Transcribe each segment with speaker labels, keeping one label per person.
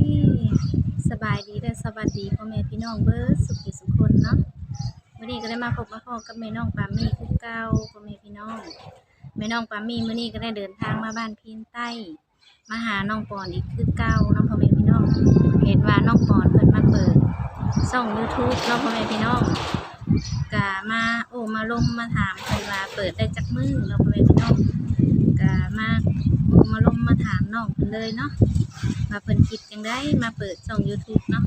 Speaker 1: สบายดีและสวัสดีพ่อแม่พี่น้องเบิร์ดสุขสุขคนเนาะวันนี้ก็ได้มาพบมาพ้อกับแม่น้องปามี่คือเก่าพ่อแม่พี่น้องแม่น้องปามี่มื้อนี้ก็ได้เดินทางมาบ้านพีนใต้มาหาน้องปอนอีกคือเก่าเนาะพ่อแม่พี่น้องเห็นว่าน้องปอนเพิ่นมาเปิดช่อง YouTube เนาะพ่อแม่พี่น้องก็มาลงมาถามเพิ่นว่าเปิดได้จักมื้อเนาะพ่อแม่พี่น้องก็มาลงมาถามน้องเพิ่นเลยเนาะมาเพิ่นคิดจังได้มาเปิดช่อง YouTube เนาะ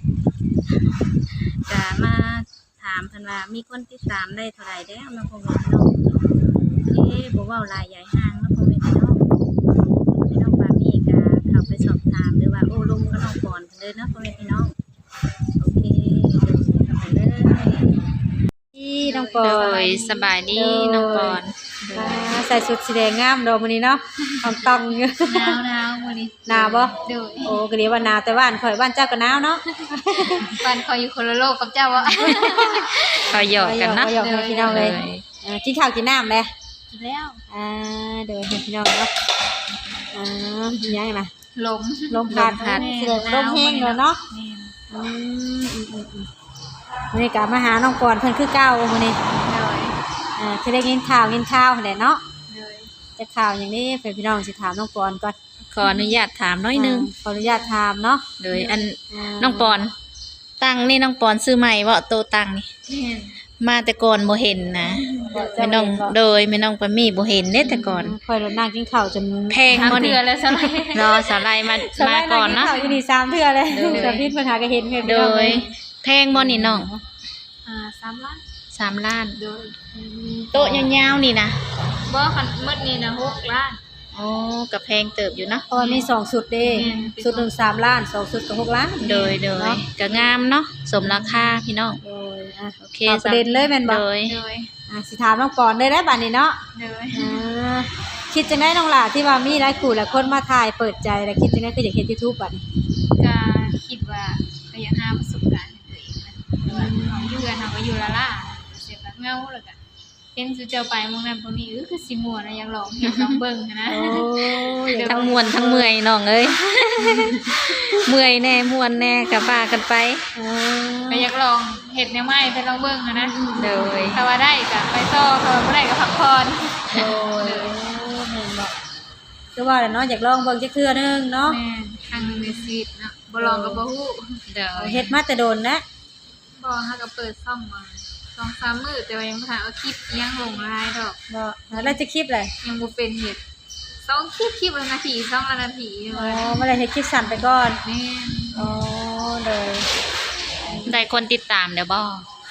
Speaker 1: ก็มาถามเพิ่นว่ามีคนติดตามได้เท่าไหร่แล้วเนาะพ่อแม่พี่น้องบ่เว้าหลายใหญ่ห้างเนาะพ่อแม่พี่น้องพี่น้องปามี่ก็เข้าไปสอบถามหรือว่าโอ้ลมกับน้องปอนเพิ่นเลยเนาะพ่อแม่พี่น้องโอเคเดินเข้าไปเลยพี่น้องปอน
Speaker 2: สบายดีน้องปอน
Speaker 1: ใส่ชุดสีแดงงามดอกมื้อนี้เนาะต้องอยู่
Speaker 2: หนาวมื้อนี้
Speaker 1: หนาวบ่
Speaker 2: โดย
Speaker 1: โอ้ก็เรียกว่าหนาวแต่บ้านข่อยบ้านเจ้าก็หนาวเนาะ
Speaker 2: บ้านคอยอยู่คนละโลกกับเจ้าอ่ะคอยหยอกกันนะ
Speaker 1: หยอกพี่น้องเลยกินข้าวกินน้ำเลย
Speaker 2: กินแล้ว
Speaker 1: เดี๋ยวให้พี่น้องเนาะยังไงนะ
Speaker 2: ลม
Speaker 1: พัดลมแห้งเลยเนาะวันนี้กลับมาหาน้องปอนเพิ่นคือเก่าวันนี้คือได้กินข้าวแหละเนาะจะข่าวอย่างนี้เพื่อนพี่น้องสิถามน้องปอนก่อน
Speaker 2: ขออนุญาตถามน้อยนึง
Speaker 1: ขออนุญาตถามเนาะ
Speaker 2: โดยอันน้องปอนตั้งนี่น้องปอนซื้อใหม่บ่โตตั้งนี่มาแต่ก่อนบ่เห็นนะแม่น้องโดยแม่น้องปามี่บ่เห็นเด้แต่ก่อน
Speaker 1: ค่อยรถนั่งกินข้าวจน
Speaker 2: แพงบ่นี่แล้วซะเลยรอสาไลมาก่อนเนาะ
Speaker 1: อยู่นี่3เทื่อเลยแต่พี่ปัญหาก็เห็นเพิ่นโดย
Speaker 2: แพงบ่นี่น้อง
Speaker 3: 3 ล้าน
Speaker 2: 3 ล้าน
Speaker 3: โดย
Speaker 2: โต๊ะยาวๆนี่นะ
Speaker 3: บ่คันหมดนี่นะ6 ล้าน
Speaker 2: อ๋อก็แพงเติบอยู่เนาะ
Speaker 1: เพราะมี2ชุดเด้ชุดนึง3 ล้าน2ชุดก็6 ล้าน
Speaker 2: โดยก็งามเนาะสมราคาพี่น้อง
Speaker 1: โดย
Speaker 2: โอเค
Speaker 1: ประเด็นเลยแม่นบ่
Speaker 2: โดย
Speaker 1: สิถามน้องปอนได้บัดนี้เนาะ
Speaker 3: โดย
Speaker 1: คิดจังได๋น้องหล่าที่ว่ามีหลายคู่หลายคนมาถ่ายเปิดใจแล้วคิดจังได๋คืออยากเฮ็ด YouTube บัดนี้
Speaker 3: ก็คิดว่าก็อยากหาประสบการณ์ให้ตัวเองนะว่าอยู่กันเฮาก็อยู่ละล่ะเสียแบบเงาแล้วก็เห็นสุเจ้าไปมองนั้นบ่มีคือสิม่วนนะอยากลองเฮ็ดลองเบิ่งนะ
Speaker 1: โอ้ย
Speaker 2: ทั้งม่วนทั้งเมื่อยน้องเอ้ยเมื่อยแน่ม่วนแน่ก็ว่ากันไป
Speaker 3: ก็อยากลองเฮ็ดแนวใหม่ไปลองเบิ่งนะ
Speaker 2: โดย
Speaker 3: ถ้าว่าได้ก็ไปต่อถ้าว่าบ่ได้ก็พักผ่อน
Speaker 1: โอ้ยแม่นบ่คือว่าเนาะอยากลองเบิ่งจักเทื่อนึงเนาะ
Speaker 3: แม่นครั้งนึงในชีวิตเนาะบ่ลองก็บ่ฮู้
Speaker 1: เฮ็ดมาแต่โดนนะ
Speaker 3: บ่เฮาก็เปิดซ่อมมา2-3 มื้อแต่ว่ายังบ่ทันเอาคลิปยังลงหลายดอก
Speaker 1: บ่แล้วจะคลิปอะไร
Speaker 3: ยังบ่เป็นเฮ็ด2คลิปละนาที2นาที
Speaker 1: บ่ได้เฮ็ดคลิปสั้นไปก่อน
Speaker 3: แม่น
Speaker 1: อ๋อเลย
Speaker 2: ได้คนติดตามเดี๋ยวบ่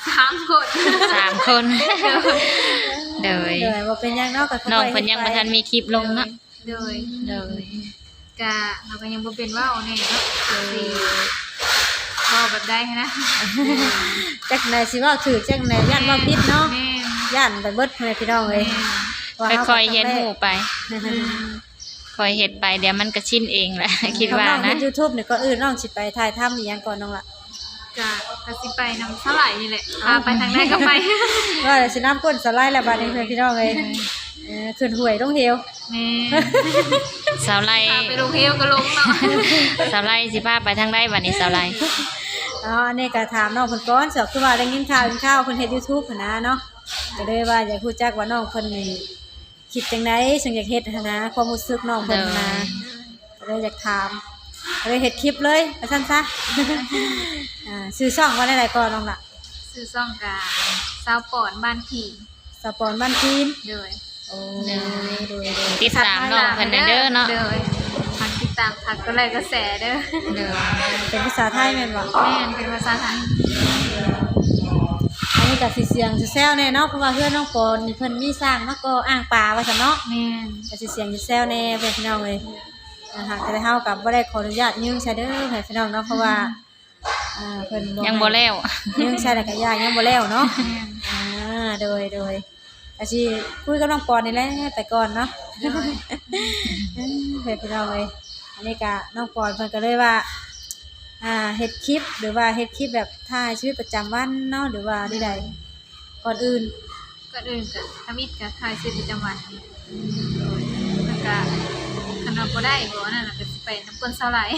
Speaker 3: 3 คน
Speaker 2: 3 คนโดย
Speaker 1: บ่เป็นหยังเนาะก็
Speaker 2: น้องเพิ่นยังบ่ทันมีคลิปลงเนาะ
Speaker 3: โดยก็เราก็ยังบ่เป็นว้าแน่เนาะสิเว้าแบบใดนะ
Speaker 1: จักไหนสิเว้าถูกจักไหนย่านเว้าผิดเนาะย่านไปเบิดแม่พี่น้องเอ้ย
Speaker 2: ค่อยๆเฮ็ดหูไปค่อยเฮ็ดไปเดี๋ยวมันก็ชินเองแหละคิดว่านะ
Speaker 1: YouTube นี่ก็น้องสิไปถ่ายทำอีหยังก่อนน้องล่ะ
Speaker 3: ก็สิไปนำเท่าไหร่นี่แหละพาไปทางใดก็ไป
Speaker 1: ว่าสิน้ำก้นสไลด์แล้วบัดนี้พี่น้องเอ้ยขึ้นห้วยลงเหว
Speaker 3: แม่
Speaker 2: สาวไร่
Speaker 3: ไปลงเหวก็ลงเนาะ
Speaker 2: สาวไร่สิพาไปทางใดบัดนี้สาวไร่
Speaker 1: อันนี้ก็ถามน้องเพิ่นก่อนคือว่าได้ยินข่าวเพิ่นเฮ็ด YouTube หั่นนะเนาะก็เลยว่าอยากรู้จักว่าน้องเพิ่นนี่คิดจังได๋จึงอยากเฮ็ดหั่นนะความรู้สึกน้องเพิ่นนะก็เลยอยากถามก็เลยเฮ็ดคลิปเลยว่าซั่นซะชื่อช่องว่าได้ก่อนน้องล่ะ
Speaker 3: ชื่อช่องก็สาวปอนบ้านผี
Speaker 1: สาวปอนบ้านพีน
Speaker 3: โดย
Speaker 1: โอ้
Speaker 2: ติดตามน้องเพิ่นเด้อเนาะ
Speaker 3: ฝากติดตามทักก็เลยกระแสเด้อ
Speaker 1: เป็นภาษาไทยแม่นบ่
Speaker 3: แม่นเป็นภาษาไทย
Speaker 1: อันนี้ก็สิเสียงสิแซวแน่เนาะเพราะว่าเพื่อนน้องปอนนี่เพิ่นมีสร้างมาก็อ่างปลาว่าซั่นเนาะ
Speaker 3: แม่น
Speaker 1: ก็สิเสียงสิแซวแน่เพิ่นพี่น้องเอ้ยแต่เฮาก็บ่ได้ขออนุญาตยืมใช้เด้อให้พี่น้องเนาะเพราะว่าเพิ่น
Speaker 2: ยังบ่แล้ว
Speaker 1: ยืมใช้แล้วก็ยังบ่แล้วเนาะโดยก็สิคุยกับน้องปอนนี่แหละแต่ก่อนเนาะเพิ่นพี่น้องเอ้ยอันนี้ก็น้องปอนเพิ่นก็เลยว่าเฮ็ดคลิปหรือว่าเฮ็ดคลิปแบบถ่ายชีวิตประจำวันเนาะหรือว่าใดก่อนอื่น
Speaker 3: ก็ทำอิฐก็ถ่ายชีวิตประจำวันแล้วก็คันบ่ได้บ่นั่นน่ะก็สิไปน้ำก้นสาหร่าย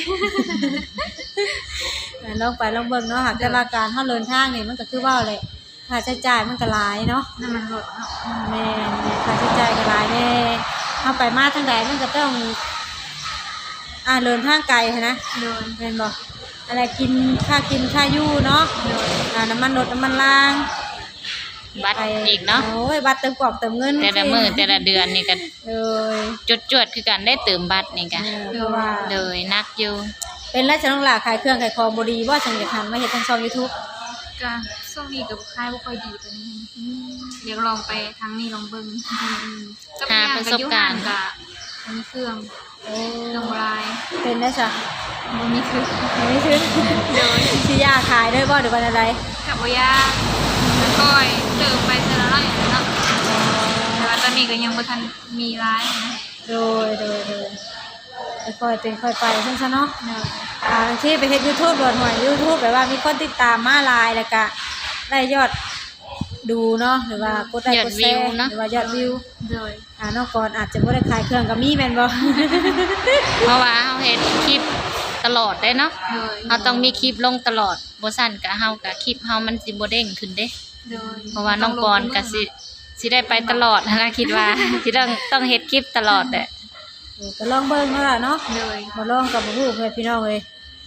Speaker 4: ลองไปลองเบิ่งเนาะหากแต่ว่าการเฮาเดินทางนี่มันก็คือว่าแหละค่าใช้จ่ายมันก็หลายเนาะ
Speaker 3: น้ำมันรถเนาะ
Speaker 4: แม่นค่าใช้จ่ายก็หลายแน่เฮาไปมาทางใดมันก็ต้องเดินทางไกลหั้นนะ
Speaker 3: โดย
Speaker 4: แม่นบ่อะไรกินค่าอยู่เนาะ
Speaker 3: โดย
Speaker 4: น้ำมันรถน้ำมันราง
Speaker 2: บัตรอีกเนาะ
Speaker 4: โอ้ยบัตรเติมกรอกเติมเงิน
Speaker 2: แต่ละมื้อแต่ละเดือนนี่ก็
Speaker 4: เลย
Speaker 2: จวดๆคือกันได้เติมบัตรนี่ก็
Speaker 4: เพราะว่า
Speaker 2: เลยนักอยู่
Speaker 4: เป็นราชน้องหลาขายเครื่องขายของบ่ดีบ่จังจะทำมาเฮ็ดทางช่อง YouTube
Speaker 3: ก็ช่วงนี้กับค่ายบ่ค่อยดีปานนี้อยากลองไปทางนี้ลองเบิ่งก็มีอย่างกับอยู่ห่างกับมีเครื่อง
Speaker 4: โอ้
Speaker 3: เครื่องโบราณ
Speaker 4: เป็นได้จ้ะ
Speaker 3: บ่มีเครื่อง
Speaker 4: ไม่ถึง
Speaker 3: โดย
Speaker 4: สิยาขายด้วยบ่หรือว่าอะไร
Speaker 3: กับบ่ยากแล้วก็เติมไปแต่ละร้อยเนาะแต่ว่าตอนนี้ก็ยังบ่ทันมีร้ายนะ
Speaker 4: โดยค่อยเป็นค่อยไปซั่นซะเนาะ
Speaker 3: เนาะ
Speaker 4: บางทีไปเฮ็ด YouTube โดนหวย YouTube แบบว่ามีคนติดตามมาหลายแล้วก็ได้ยอดดูเนาะหรือว่ากดไลค์กดแชร์หรือว่ายอดวิว
Speaker 3: โดย
Speaker 4: น้องกรอาจจะบ่ได้ขายเครื่องก็มีแม่นบ่
Speaker 2: เพราะว่าเฮาเฮ็ดคลิปตลอดได้เนาะ
Speaker 3: โดย
Speaker 2: เฮาต้องมีคลิปลงตลอดบ่ซั่นก็เฮาก็คลิปเฮามันสิบ่เด้งขึ้นเด้
Speaker 3: โดย
Speaker 2: เพราะว่าน้องปอนก็สิได้ไปตลอดนะคิดว่า สิต้องเฮ็ดคลิปตลอดแหละ
Speaker 4: ก็ลองเบิ่งเนาะล่ะเนาะ
Speaker 3: โดย
Speaker 4: บ่ลองก็บ่รู้เพื่อนพี่น้องเอ้ย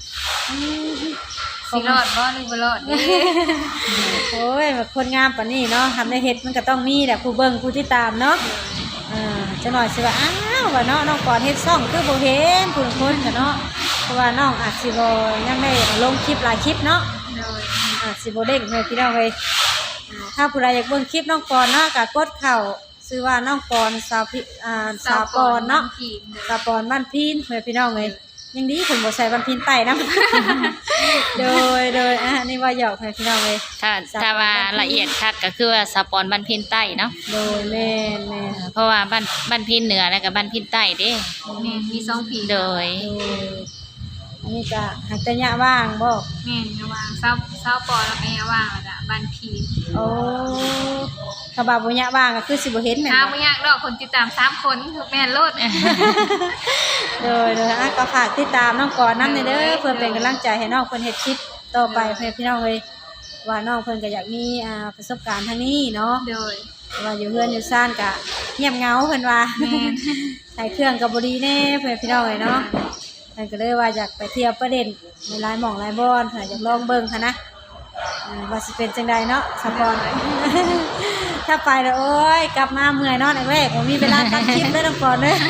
Speaker 3: สิรอดบ่หรือบ่รอดเด้
Speaker 4: โอ้ยแบบคนงามปานนี้เนาะทำได้เฮ็ดมันก็ต้องมีแหละผู้เบิ่งผู้ที่ตามเนาะจังหน่อยสิว่าอ้าวว่าเนาะน้องก่อนเฮ็ดซ่องคือบ่เห็นผู้คนก็เนาะเพราะว่าน้องอาจสิบ่ยังได้ลงคลิปหลายคลิปเนาะ
Speaker 3: โดย
Speaker 4: อาจสิบ่เด้งเพื่อนพี่น้องเอ้ยถ้าผู้ใดอยากเบิ่งคลิปน้องก่อนเนาะก็กดเข้าชื่อว่าน้องก่อนสาวปอนเนาะ
Speaker 3: ผีโดย
Speaker 4: สาวปอนบ้านพีนเพื่อนพี่น้องเอ้ยยังดีเพิ่นบ่ใส่บ้านพีนใต้นำ โดยนี่ว่าหยอกเพื่อนพี่น้องเอ้ย
Speaker 2: ถ้าว่าละเอียดคักก็คือว่าสปอนบ้านพินใต้เนาะ
Speaker 4: โดยแม่น
Speaker 2: เพราะว่าบ้านพินเหนือแล้วก็บ้านพินใต้เด้
Speaker 3: แม่นมีสองผี
Speaker 2: โดย
Speaker 4: อันนี้ก็หักแต่ยะว่างบ่
Speaker 3: แม่นระหว่างเศร้าปอแล้วก็ยาว่างแล้วก็บ้านผี
Speaker 4: โอ้ถ้าบ่าบ่ยะว่างก็คือสิบ่เห็นแม่น
Speaker 3: หา
Speaker 4: บ่
Speaker 3: บ่ยากดอกคนติดตาม3คนแม่นโลด
Speaker 4: โดยก็ฝากติดตามน้องก่อนนำเด้อเพื่อเป็นกำลังใจให้น้องเพิ่นเฮ็ดคลิปต่อไปเพื่อนพี่น้องเอ้ยว่าน้องเพิ่นก็อยากมีประสบการณ์ทางนี้เนาะ
Speaker 3: โดย
Speaker 4: ว่าอยู่เฮือนอยู่ซ่านก็เงียบเหงาเพิ่นว่า
Speaker 3: แม่น
Speaker 4: ใช้เครื่องก็บ่ดีแน่เพื่อนพี่น้องเอ้ยเนาะเพิ่นก็เลยว่าอยากไปเที่ยวประเด็นในหลายหม่องหลายบ่อนเพิ่นอยากลองเบิ่งค่ะนะว่าสิเป็นจังใดเนาะสปอน ถ้าไปแล้วโอ้ยกลับมาเมื่อยเนาะแรกๆบ่มีเวลาตัดคลิปเลยน้องก่อนเด้อ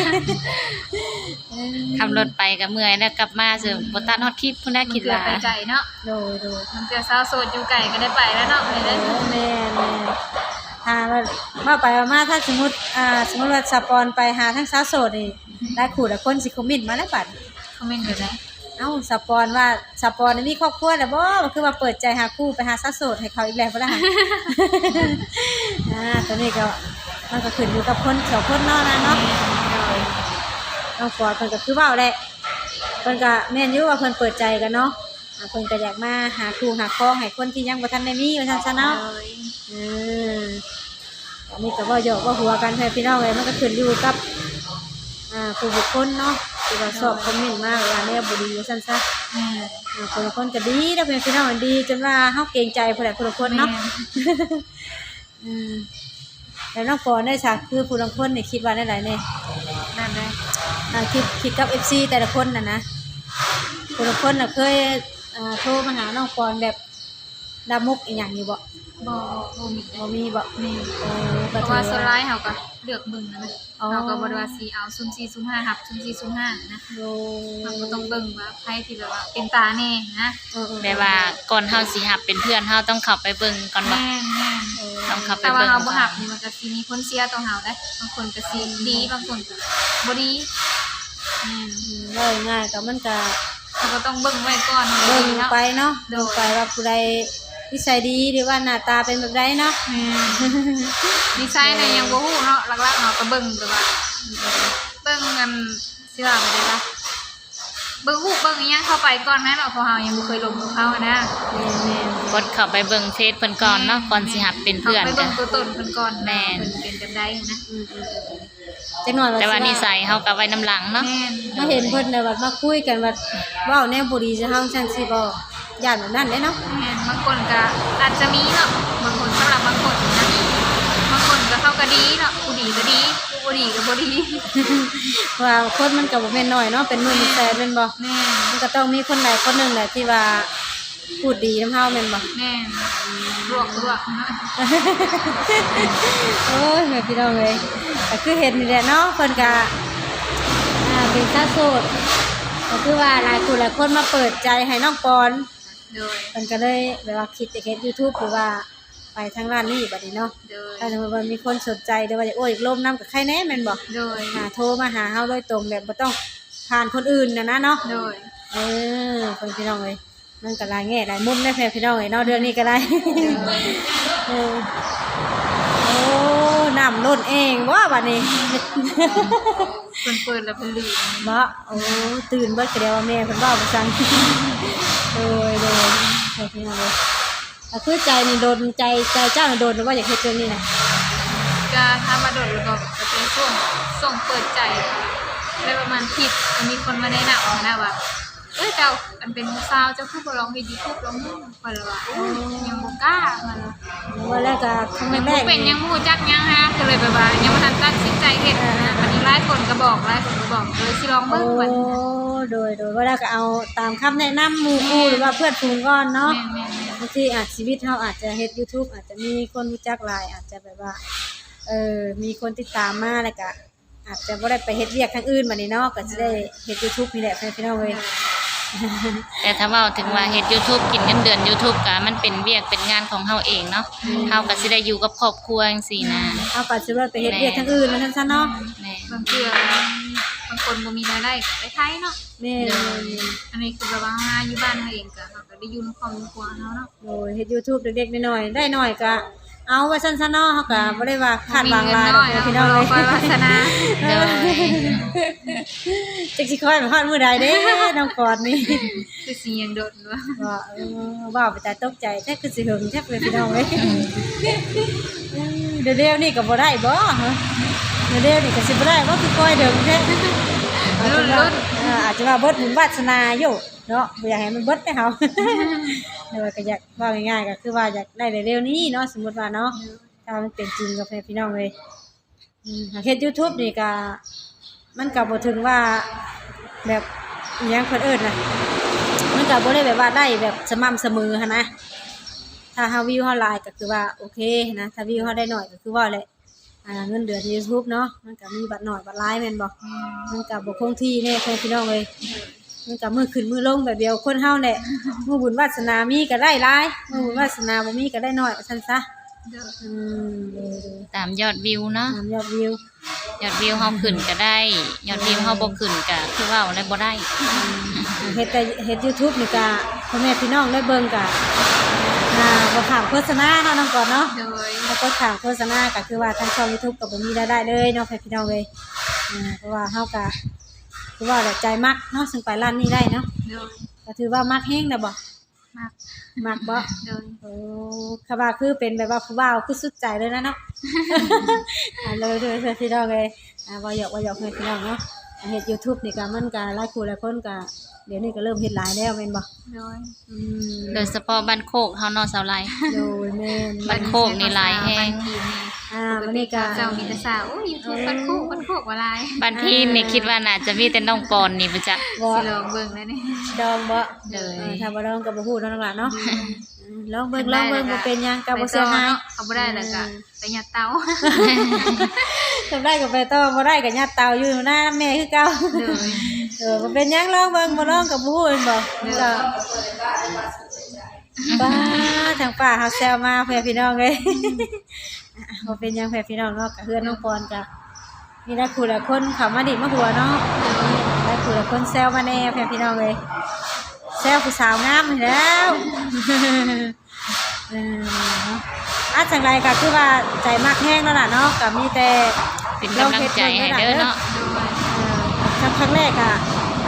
Speaker 2: ขับรถไปก็เมื่อยแล้วกลับมาสิบ่ตัดฮอดคลิปพุ่นน่ะคิดว่า
Speaker 3: ไปไกลเนาะ
Speaker 4: โดย
Speaker 3: มันเจอสาวโสดอยู่ไกลก็ได้ไปแล้วเนาะเลยเด้อ
Speaker 4: แม่มาไปมาถ้าสมมุติว่าสปอนไปหาทั้งสาวโสดนี่ได้คู่ละคนสิคอมเมนต์มาแล้วบัด
Speaker 3: คอมเมนต์อยู่ได้
Speaker 4: เอ้าสปอนว่าสปอนมีครอบครัวแล้วบ่คือว่าเปิดใจหาคู่ไปหาสาวโสดให้เขาอีกแล้วบ่ล่ะ ตอนนี้ก็มันก็ขึ้นอยู่กับคนสองคนเนาะนะเนาะน้องปอนเพิ่นก็คือเว้าแหละเพิ่นก็แม่นอยู่ว่าเพิ่นเปิดใจกันเนาะเพิ่นก็อยากมาหาคู่หาครองให้คนที่ยังบ่ทันได้มีว่าซั่นซะเนาะอันนี้ก็บ่หยอกบ่หัวกันเพื่อนพี่น้องเลยมันก็ขึ้นอยู่กับผู้บุคคลเนาะที่ว่าชอบคอมเมนต์มาว่าแนวบ่ดีว่าซั่นซะคนละคนก็ดีเด้อเพื่อนพี่น้องดีจนว่าเฮาเกรงใจผู้ใดผู้ละคนเนาะแล้วน้องปอนได้ซะคือผู้ละคนนี่คิดว่าได้หลายแน่
Speaker 3: นั่นได้
Speaker 4: คิดกับ FC แต่ละคนน่ะนะผู้ละคนน่ะเคยโทรมาหาน้องปอนแบบดามุกอีหยังอยู่บ่
Speaker 3: บ่มี
Speaker 4: บ่มีบ่
Speaker 3: แม่น
Speaker 4: ก็
Speaker 3: เพราะ
Speaker 4: ถื
Speaker 3: ว่า
Speaker 4: อ
Speaker 3: โซ
Speaker 4: ว่า
Speaker 3: ไลท์เฮาก็เลือกเบิ่งนะ
Speaker 4: อ๋อ
Speaker 3: เฮาก็บ่ได้ว่าสิเอา0405หับ0405นะ
Speaker 4: โด
Speaker 3: เราก็ต้องเบิ่งว่าไผที่แบบว่าเป็นตาแน่นะ
Speaker 2: แบบว่าก่อนเฮาสิหับเป็นเพื่อนเฮาต้องเข้าไปเบิ่งก่อนบ่
Speaker 3: แม่น
Speaker 2: ต้องเข้าไป
Speaker 3: แต่ว่า
Speaker 2: เบิ่ง
Speaker 3: เฮาบ่หับนี่มันก็สิมีผลเสียต่อเฮาได้บางคนก็สิดีบางคนก็บ่ดีแม่น
Speaker 4: ว่าง่ายๆก็มันก็
Speaker 3: เราก็ต้องเบิ่งไว้ก่อน
Speaker 4: เบิ่ง
Speaker 3: เนาะ
Speaker 4: ไปเนาะ
Speaker 3: โด
Speaker 4: ดู
Speaker 3: ย
Speaker 4: ไปว่าผู้ใดนิสัยดีหรือว่าหน้าตาเป็นแบบใดเนาะ
Speaker 3: แม่ดีไซน์น่ะยังบ่ฮู้เนาะหลักๆเฮาก็เบิ่งแบบว่าเบิ่งกันสิว่าไปได้ล่ะเบิ่งฮู้เบิ่งอีหยังเข้าไปก่อนนะเนาะเพราะเฮายังบ่เคยลงกับเขานะ
Speaker 4: แม่น
Speaker 2: กดเข้าไปเบิ่งเฟซเพิ่นก่อนเนาะก่อนสิหับเป็นเพื่อน
Speaker 3: ไป
Speaker 2: กั
Speaker 3: เบิ่
Speaker 2: น
Speaker 3: งตัวตนเพิ่นก่อน
Speaker 2: แม่น
Speaker 3: เพิ่นเป็นจังไดนะ
Speaker 4: จักหน่อย
Speaker 2: แต่ว่า
Speaker 4: สิ
Speaker 2: นิสัยเฮาก็ไว้น้ำหลังเนาะ
Speaker 3: แม่น
Speaker 4: มาเห็นเพิ่นน่ะว่ามาคุยกันว่าเว้าแนวบ่ดีจะเฮาจังซี่บ่ย่านแบบนั้นเด้เนาะ
Speaker 3: แม่นบางคนก็อาจจะมีเนาะบางคนสำหรับบางคนนะบางคนก็เขาก็ดีเนาะผู้ดีก็ดีผู้บ่ดีก็บ่ดี
Speaker 4: ว่าคนมันก็บ่แม่นน้อยเนาะเป็นหมื่นเป็นแสนแม่นบ่
Speaker 3: แม่น
Speaker 4: มันก็ต้องมีคนใดคนหนึ่งแหละที่ว่าพูดดีนำเฮาแม่นบ่
Speaker 3: แม่นลวกเนาะ
Speaker 4: โอ้ยแม่พี่น้องเอ้ยก็คือเห็นนี่แหละเนาะเพิ่นก็เป็นชาโสดก็คือว่าหลายคนหลายคนมาเปิดใจให้น้องปอน
Speaker 3: โดย
Speaker 4: เพิ่นก็เลยแบบว่าคิดจะเฮ็ด YouTube หรือว่าไปทางด้านนี้บัดนี้เนาะ
Speaker 3: โดย
Speaker 4: ถ้าสมมุติว่ามีคนสนใจหรือว่าอยากโอ้ยร่วมนำกับใครแน่แม่นบ่
Speaker 3: โดย
Speaker 4: โทรมาหาเฮาโดยตรงแบบบ่ต้องผ่านคนอื่นนะเนาะ
Speaker 3: โดย
Speaker 4: เเพิ่นพี่น้องเอ้ยมันก็หลายแง่หลายมุมได้แพ่พี่น้องเอ้ยเนาะเรื่องนี้ก็ได้ เออโอ้น้ำล้นเองว่าบัดนี้
Speaker 3: เพิ่นเปิดแล้วเพิ่นลืม
Speaker 4: บ่โอ้ตื่นเบิดก็เดียวว่าแม่เพิ่นเว้าบ่ซัง โดยแพ่พี่น้องเอ้ยก็คือใจนี่โดนใจเจ้าน่ะโดนหรือว่าอยากเฮ็ดเรื่องนี้น่ะ
Speaker 3: ก็ถ้ามาโดดแล้วก็เป็นช่วงส่งเปิดใจได้ประมาณคลิปมีคนมาแนะนำนะว่าเอ้ยเจ้าอันเป็นสาวเจ้าคือบ่ลองเฮ็ด YouTube ลองดูข่อยเลยว่าโอ้ยยังบ่กล้ามันเลย
Speaker 4: ว่าแล้วก็ครั้ง
Speaker 3: ยัง
Speaker 4: แร
Speaker 3: บ่
Speaker 4: ก
Speaker 3: เป็นยังบ่รู้จักยังฮะก็เลยแบบว่ายังบ่ทันตัดสินใจเฮ็ดนะอันนี้หลายคนก็บอกเลยสิลอง
Speaker 4: โอ้
Speaker 3: เบิ่งว่า
Speaker 4: โดยว่าแล้วก็เอาตามคำแนะนำหมู่คู่หรือว่าเพื่อนฝูงก่อนเนาะ
Speaker 3: แม่น
Speaker 4: บางทีอาจชีวิตเราอาจจะเฮ็ด YouTube อาจจะมีคนรู้จักหลายอาจจะแบบว่ามีคนติดตามมาแล้วก็อาจจะบ่ได้ไปเฮ็ดเวียกทางอื่นบัดนี้เนาะก็สิได้เฮ็ด YouTube นี่แหละพี่น้องเอ้ย
Speaker 2: แต่ถ้าเว้าถึงว่าเฮ็ด YouTube กินเงินเดือน YouTube ก็มันเป็นเวียกเป็นงานของเฮาเองเนาะเฮาก็สิได้อยู่กับครอบครัวจังซี่นะ
Speaker 4: เอาก็สิว่าไปเฮ็ดเวียกทางอื่นนั่นซั่นเนาะ
Speaker 2: แม่
Speaker 3: บางเทื่อบางคนบ่มีรายได้ก็ไปไทยเนาะ
Speaker 4: แม่
Speaker 3: อันนี้คือแบบว่าอยู่บ้านเราเองก็เราก็ได้อยู่ในครอบครัวเฮาเนาะ
Speaker 4: โอ้ยเฮ็ด YouTube เด็กๆน้อยๆได้น้อยก็เอาไว้ซั่นๆเนาะเฮาก็บ่ได้ว่าคาดหวังหลายดอกพี่น้องเอ้ย
Speaker 3: คอยวาสนา
Speaker 2: โดย
Speaker 4: จักสิคอยไปฮอดมื้อใดเด้น้องกอดนี่
Speaker 3: คือสิยังโดดว่า
Speaker 4: ว่าว่าไปแต่ตกใจแท้คือสิหึงแท้เลยพี่น้องเอ้ยเดี๋ยวๆนี่ก็บ่ได้บ่ฮะเดี๋ยวๆนี่ก็สิบ่ได้บ่คือคอยเดิมแท้อาจจะว่าเบิดบุญวาสนาอยู่เนาะบ่อยากให้มันเบิดไปเฮาแต่ว่าก็อยากว่าง่ายๆก็คือว่าอยากได้เร็วๆนี้เนาะสมมุติว่าเนาะถ้ามันเป็นจริงกับพี่น้องเอ้ยเฮ็ด YouTube นี่ก็มันก็บ่ถึงว่าแบบอีหยังเพิ่นเอิ้นน่ะมันก็บ่ได้แบบว่าได้แบบสม่ำเสมอหันนะถ้าเฮาวิวเฮาหลายก็คือว่าโอเคนะถ้าวิวเฮาได้น้อยก็คือว่าแหละเงินเดือน YouTube เนาะมันก็มีบัตรน้อยบัตรหลายแม่นบ่มันก็บ่คงที่แน่พี่น้องเอ้ยมันก็มือขึ้นมือลงแบบเดียวคนเฮาแหละมื้อบุญวาสนามีก็ได้หลายมื้อบุญวาสนาบ่มีก็ได้น้อยว่าซั่นซะอืม
Speaker 2: ตามยอดวิวเนาะ
Speaker 4: ตามยอดวิวย
Speaker 2: อดวิวเฮาขึ้นก็ได้ ยอดวิวเฮาบ่ขึ้นก็คือเว้าแล้วบ่ได้
Speaker 4: เฮ็ด YouTube นี่ก็พ่อแม่พี่น้องได้เบิ่งก็บ่ถามโฆษณาเนาะน้องก่อนเนาะ
Speaker 3: โดย
Speaker 4: แล้วก็ถามโฆษณาก็คือว่าทางช่อง YouTube ก็บ่มีรายได้เลยเนาะพี่น้องเอ้ยเพราะว่าเฮาก็คือว่าแหละใจมักเนาะซึ่งไปร้านนี้ได้เนาะ
Speaker 3: โดย
Speaker 4: ก็ถือว่ามักแฮงนะบ่
Speaker 3: มาก
Speaker 4: มักบ่
Speaker 3: โดย
Speaker 4: โอ้คำว่าคือเป็นแบบว่าผู้บ่าวคือสุดใจเลยนะเนาะ เลยพี่น้องเอ้ยว่าหยอกให้พี่น้องเนาะเฮ็ด YouTube นี่ก็มันก็หลายคู่หลายคนก็เดี๋ยวนี้ก็เริ่มเฮ็ดหลายแล้วแม่นบ่
Speaker 3: โดย
Speaker 2: โดยเฉพาะบ้านโคกเฮาเนาะสาวไล
Speaker 4: โดยแม่น
Speaker 2: บ้านโคกนี่หลายแฮง
Speaker 4: วันนี้ก็
Speaker 3: เจ้ามีแต่สาวโอ้ย YouTube บ้านโคกว่าหลาย
Speaker 2: บ้านพี่นี่คิดว่าน่าจะมีแต่น้องปอนนี่บ่จ๊ะ
Speaker 4: บ่
Speaker 3: สิลองเบิ่งแล้วนี่
Speaker 4: ดองบ่
Speaker 2: เลย
Speaker 4: ถ้าบ่ดองก็บ่ฮู้เนาะน้องหลานเนาะลองเบิ่งบ่เป็นหยังก็บ่เสียหาย
Speaker 3: เอาบ่ได้แล้วก็ไปยัดเตา
Speaker 4: ทำได้ก็ไปต่อบ่ได้ก็ยัดเตาอยู่หน้าแม่คือเก่า
Speaker 3: โดย
Speaker 4: บ่เป็นหยังลองเบิ่งบ่ลองก็บ่ฮู้แม่นบ่ก็ป้าทางป้าเฮาแซวมาเพื่อพี่น้องเอ้ยบ่เป็นหยังเพื่อพี่น้องเนาะก็เฮือนน้องปอนก็มีหลายคู่หลายคนเข้ามาดิมาหัวเนาะหลายคู่หลายคนแซวมาแน่เพื่อพี่น้องเอ้ยแซวผู้สาวงามนี่แล้วจังไรก็คือว่าใจมากแห้งแล้วล่ะเนาะก็มีแต่
Speaker 2: เป็นกำลังใจให้เด้อเนาะ
Speaker 3: โดย
Speaker 4: ครั้งแรกอ่ะค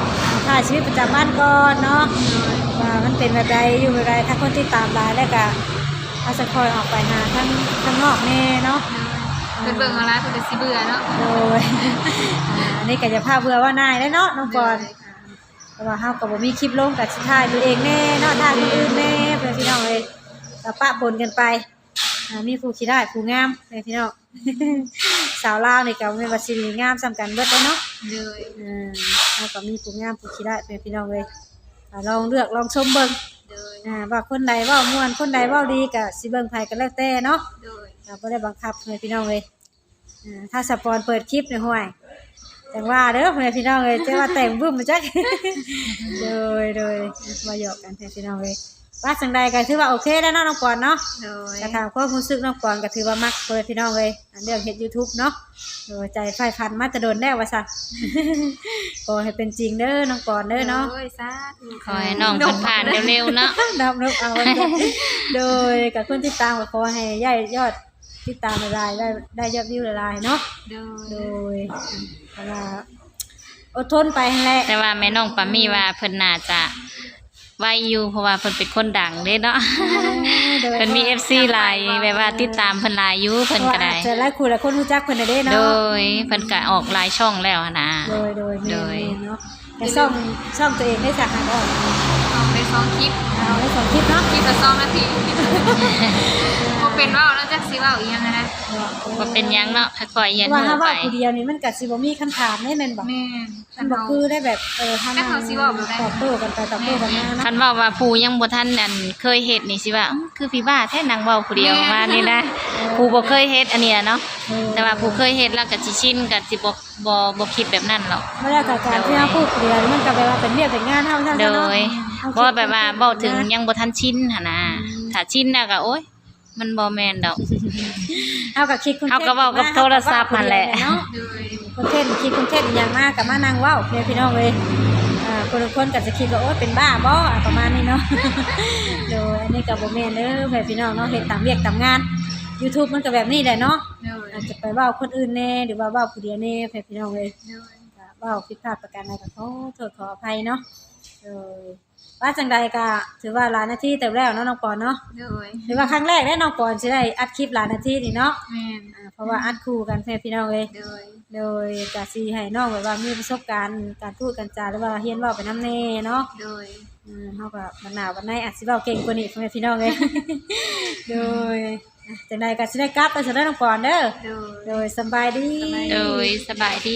Speaker 4: ถ่ายชีวิตประจำบ้านก่อนเนาะว่ามันเป็นแบบใดอยู่แบบใดถ้าคนที่ตามหลายแล้วก็อาจจะคอยออกไปหาข้างนอกแน่เนาะ
Speaker 3: เพิ่นเบิ่งเอาหลายเพิ่นก็สิเบื่อเนาะ
Speaker 4: โดยอันนี้ก็จะพาเบื่อว่านายได้เนาะน้องปอนเพราะว่าเฮาก็บ่มีคลิปลงกับสิถ่ายตัวเองแน่เนาะถ่ายคนอื่นแน่เพื่อนพี่น้องเอ้ยก็ปะปนกันไปมีผู้ขี้ได้ผู้งามเพื่อนพี่น้อง สาวลาวนี่ก็แม่นว่าสิงามซ้ำกันเบิดเด้อเนาะ
Speaker 3: เลย
Speaker 4: แล้วก็มีผู้งามผู้ขี้ได้เพื่อนพี่น้องเอ้ยลองเลือกลองชมเบิ่ง
Speaker 3: เลย
Speaker 4: ว่าคนใดเว้าม่วนคนใดเว้าดีก็สิเบิ่งไผก็แล้วแต่เนาะ
Speaker 3: เลย
Speaker 4: เราบ่ได้บังคับเพื่อนพี่น้องเอ้ยถ้าสปอนเปิดคลิปเนี่ยห่วยแต่ว่าเด้อเพื่อนพี่น้องเอ้ยจะว่าแต่งบึ้มมาจัก โดยมาหยอกกันเพื่อนพี่น้องเอ้ยว่าจังใดก็ถือว่าโอเคแล้วเนาะน้องปอนเนาะ
Speaker 3: เลย
Speaker 4: กระถามความรู้สึกน้องปอนก็ถือว่ามักเพื่อนพี่น้องเอ้ยเรื่องเฮ็ด YouTube เนาะโดยใจไฟพันมาจะโดนแน่ว่าซั่น ขอให้เป็นจริงเด้อน้องปอนเด้อเนาะ
Speaker 3: โอ้ยสาธุ
Speaker 2: ขอให้น้องเพิ่นผ่านเร็วๆเนาะ
Speaker 4: นับเอาไว้ก่อนโดยกับคนติดตามก็ขอให้ย้ายยอดติดตามหลายๆได้ยอดวิวหลายๆเนาะ
Speaker 3: เลย
Speaker 4: โดยเพราะว่าอดทนไปนั่นแหละ
Speaker 2: แต่ว่าแม่น้องปามี่ว่าเพิ่นน่าจะไวอยู่เพราะว่าเพิ่นเป็นคนดังเด้เนาะ
Speaker 4: โดย
Speaker 2: เพิ่นมี FC หลายแบบว่าติดตามเพิ่นหลายอยู่เพิ่นก็ได้
Speaker 4: เจอหลายคู่หลายคนรู้จักเพิ่นได้เด้เนาะ
Speaker 2: โดยเพิ่นก็ออกหลายช่องแล้วหั้นนะ
Speaker 4: โดย
Speaker 2: โดย
Speaker 4: แม่นเนาะแต่ซ่อมตัวเองได้จากหาออก
Speaker 3: เอาไป2คลิป
Speaker 4: เอาได้2คลิปเนาะ
Speaker 3: คลิปละ2นาทีบ่เป็นว่าวแล้วจักสิเว้าอีหยังนะ
Speaker 2: บ่เป็นหยังเนาะค่อยๆเรียน
Speaker 4: ว่า
Speaker 2: รู้
Speaker 4: ถ้า
Speaker 2: ไป
Speaker 4: ว่าผู้เดียวนี่มันก็สิบ่มีคำถามได้แม่นบ่
Speaker 3: แม่น
Speaker 4: มันบ่คือได้แบบถ้า
Speaker 3: แต่เขาสิเว้าแบบใด
Speaker 4: ตอบโต้กันไปตอบโต้กันมาเนาะ
Speaker 2: คันเว้าว่าผู้ยังบ่ทันอันเคยเฮ็ดนี่สิว่าคือพี่บ้าแท้นางเว้าผู้เดียวว่านี่นะผู้บ่เคยเฮ็ดอันนี้เนาะแต่ว่าผู้เคยเฮ็ดแล้วก็สิชินก็สิบ่คิดแบบนั้นหรอก
Speaker 4: ไม่ได้กับการที่เราพูดเรียนมันก็แปลว่าเป็นเรียกเป็นงานเท่านั้น
Speaker 2: โด
Speaker 4: เนาะ
Speaker 2: ยบ่แบบว่าเว้าถึงยังบ่ทันชินหั่นนะถ้าชินแล้วก็โอ๊ยมันบ่แม่นดอก
Speaker 4: เอากับคิดคุณ
Speaker 2: เอาก็เว้ากับโทรศัพท์นั่นแหละ
Speaker 4: เนาะ
Speaker 3: เลย
Speaker 4: คนเทศคิดคุณเทศอย่างมากกับมานั่งเว้าพี่น้องเลยคนละคนก็จะคิดว่าโอ๊ยเป็นบ้าบ่ประมาณนี้เนาะ โดยอันนี้กับโบแม่นเด้อพี่น้องเนาะเฮ็ดตามเวียกตามงาน YouTube มันก็แบบนี้แหละเนาะ
Speaker 3: เลย
Speaker 4: อาจจะไปเว้าคนอื่นแน่หรือว่าเว้าผู้เดียวแน่พี่น้องเลย
Speaker 3: เลย
Speaker 4: เว้าผิดพลาดประการใดก็ขอโทษขออภัยเนาะว่าจังใดก็ถือว่าหลายนาทีเต็มแล้วเนาะน้องปอนเนาะ
Speaker 3: เลย
Speaker 4: หรือว่าครั้งแรกได้น้องปอนสิได้อัดคลิปหลายนาทีนี่เนาะ
Speaker 3: แม่น
Speaker 4: เพราะว่าอัดคู่กันพี่น้องเลย
Speaker 3: เลย
Speaker 4: โดยก็สิให้น้องแบบว่ามีประสบการณ์การพูดการจาหรือว่าเรียนเว้าไปนำแน่เนาะ
Speaker 3: เลย
Speaker 4: เฮาก็วันหน้าวันไหนอาจสิเว้าเก่งกว่านี้พี่น้องเลย โดยจังใดก็สิได้กลับไปซะเด้อน้องปอนเด้อ
Speaker 3: เลย
Speaker 4: โดยสบายดี
Speaker 2: โดยสบายดี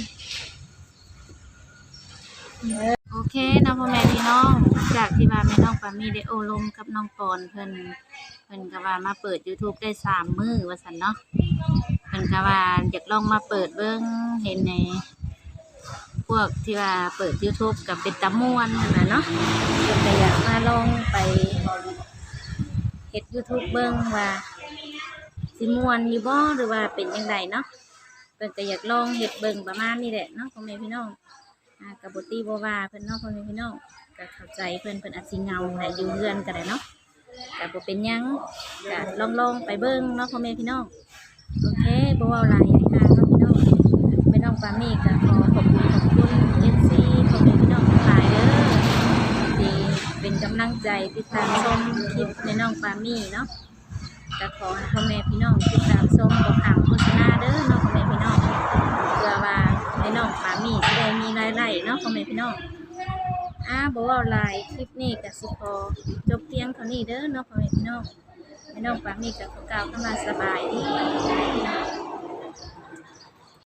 Speaker 2: โอเคเนาะพ่อแม่พี่น้องจากที่ว่าแม่น้องปามี่ได้โอลมกับน้องปอนเพิ่นก็ว่ามาเปิด YouTube ได้3 มื้อว่าซั่นเนาะเพิ่นก็ว่าอยากลองมาเปิดเบิ่งเห็นในพวกที่ว่าเปิด YouTube กับเป็นตะม่วนนั่นน่ะเนาะเพิ่นก็อยากมาลองไปเฮ็ด YouTube เบิ่งว่าสิม่วนอยู่บ่หรือว่าเป็นจังไดเนาะเพิ่นก็อยากลองเฮ็ดเบิ่งประมาณนี้แหละเนาะพ่อแม่พี่น้องกับบตีบ่ว่าเพิ่นเนาะพ่อแม่พี่น้องก็เข้าใจเพิ่นอาจสิเหงาแหละอยู่เรือนก็ได้เนาะก็บ่เป็นหยังก็ลองไปเบิ่งเนาะพ่อแม่พี่น้องโอเคบ่เว้าหลายเนาะพี่น้องแม่น้องปามี่ก็ขอขอบคุณ FC พ่อแม่พี่น้องทั้งหลายเด้อที่เป็นกำลังใจติดตามชมคลิปแม่น้องปามี่เนาะก็ขอให้พ่อแม่พี่น้องติดตามชมบ่ข้ามโฆษณาเด้อเนาะพ่อแม่พี่น้องเพื่อว่าแม่น้องปามี่จะได้มีรายได้เนาะพ่อแม่พี่น้องบ่เว้าหลายคลิปนี้ก็สิขอจบเพียงเท่านี้เด้อเนาะพ่อแม่พี่น้องแม่น้องปามี่ก็ขอกล่าวคำว่าสบายดี